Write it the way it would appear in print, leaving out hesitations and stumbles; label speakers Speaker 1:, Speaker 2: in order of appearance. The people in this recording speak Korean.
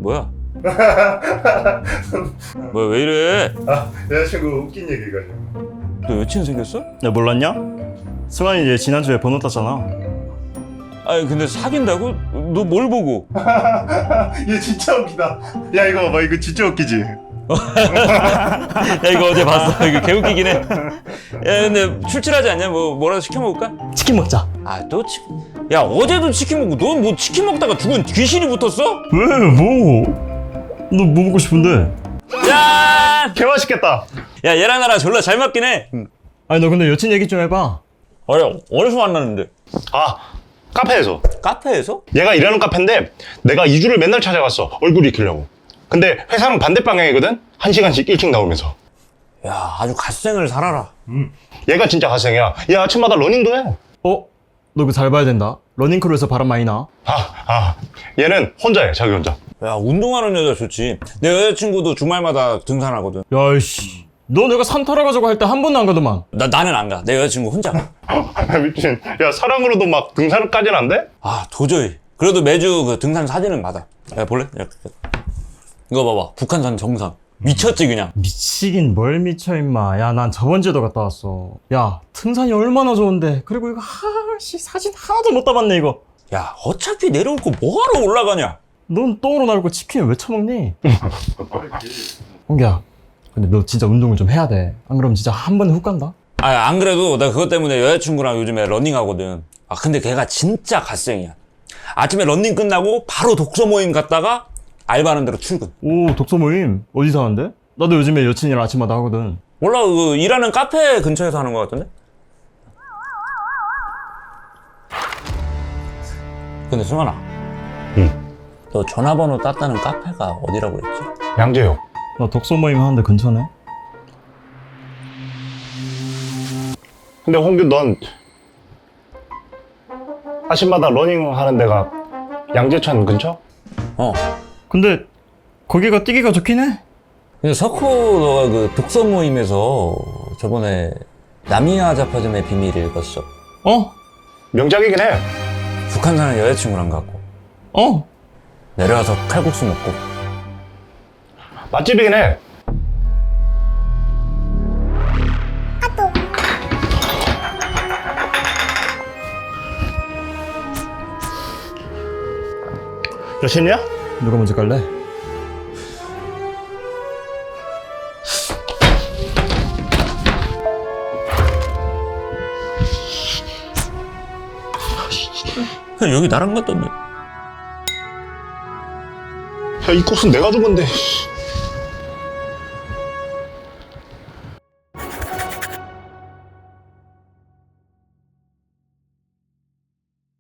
Speaker 1: 뭐야? 뭐야 왜 이래?
Speaker 2: 아, 여자친구 웃긴 얘기가
Speaker 1: 너 여친 생겼어?
Speaker 3: 야 몰랐냐? 승환이 얘 지난주에 번호 땄잖아.
Speaker 1: 아니 근데 사귄다고? 너 뭘 보고?
Speaker 2: 얘 진짜 웃기다. 야 이거 봐봐, 이거 진짜 웃기지.
Speaker 1: 야 이거 어제 봤어. 이거 개웃기긴 해. 야 근데 출출하지 않냐? 뭐라도 시켜 먹을까?
Speaker 3: 치킨 먹자.
Speaker 1: 아또 야 어제도 치킨 먹고 넌 뭐 치킨 먹다가 죽은 귀신이 붙었어?
Speaker 3: 왜 뭐? 너 뭐 먹고 싶은데?
Speaker 1: 짠!
Speaker 3: 개 맛있겠다.
Speaker 1: 야 얘랑 나랑 졸라 잘 맞긴 해.
Speaker 3: 아니 너 근데 여친 얘기 좀 해봐.
Speaker 1: 어디서 만났는데?
Speaker 4: 아, 카페에서.
Speaker 1: 카페에서?
Speaker 4: 얘가 일하는 카페인데 내가 2주를 맨날 찾아갔어. 얼굴 익히려고. 근데 회사는 반대 방향이거든? 1시간씩 일찍 나오면서.
Speaker 1: 야 아주 갓생을 살아라.
Speaker 4: 얘가 진짜 갓생이야. 얘 아침마다 러닝도 해.
Speaker 3: 어? 너 그거 잘 봐야 된다. 러닝크루에서 바람 많이 나.
Speaker 4: 얘는 혼자 해, 자기 혼자.
Speaker 1: 야 운동하는 여자 좋지. 내 여자친구도 주말마다 등산하거든.
Speaker 3: 야이씨. 너 내가 산 타러 가자고 할 때 한 번도 안 가더만.
Speaker 1: 나는 안 가. 내 여자친구 혼자 가.
Speaker 4: 미친. 야, 사랑으로도 막 등산까지는 안 돼?
Speaker 1: 아 도저히. 그래도 매주 그 등산 사진은 받아. 야 볼래? 이거 봐봐. 북한산 정상. 미쳤지 그냥.
Speaker 3: 미치긴 뭘 미쳐 임마. 야 난 저번 주에도 갔다 왔어. 야 등산이 얼마나 좋은데. 그리고 이거 하씨 사진 하나도 못 담았네 이거.
Speaker 1: 야 어차피 내려올 거 뭐하러 올라가냐?
Speaker 3: 넌 똥으로 날고 치킨을 왜 처먹니? 홍기야 근데 너 진짜 운동을 좀 해야 돼. 안 그러면 진짜 한 번에 훅 간다.
Speaker 1: 아 안 그래도 나 그것 때문에 여자친구랑 요즘에 러닝하거든. 아 근데 걔가 진짜 갓생이야. 아침에 러닝 끝나고 바로 독서 모임 갔다가 알바하는 대로 출근.
Speaker 3: 오 독서 모임 어디서 하는데? 나도 요즘에 여친이랑 아침마다 하거든.
Speaker 1: 몰라 그 일하는 카페 근처에서 하는 것 같던데? 근데 승환아.
Speaker 4: 응.
Speaker 1: 너 전화번호 땄다는 카페가 어디라고 그랬지?
Speaker 4: 양재요.
Speaker 3: 나 독서 모임 하는데 근처네.
Speaker 4: 근데 홍규 넌 아침마다 러닝 하는 데가 양재천 근처?
Speaker 1: 어.
Speaker 3: 근데 거기가 뛰기가 좋긴 해.
Speaker 1: 근데 석호 너가 그 독서 모임에서 저번에 나미야 자파점의 비밀을 읽었어.
Speaker 3: 어?
Speaker 4: 명작이긴 해.
Speaker 1: 북한 사는 여자친구랑 갔고
Speaker 3: 어?
Speaker 1: 내려와서 칼국수 먹고.
Speaker 4: 맛집이긴 해. 여신이야?
Speaker 3: 누가 먼저 갈래?
Speaker 1: 그냥 여기 나랑 갔던데.
Speaker 4: 야, 이 코스는 내가 준 건데.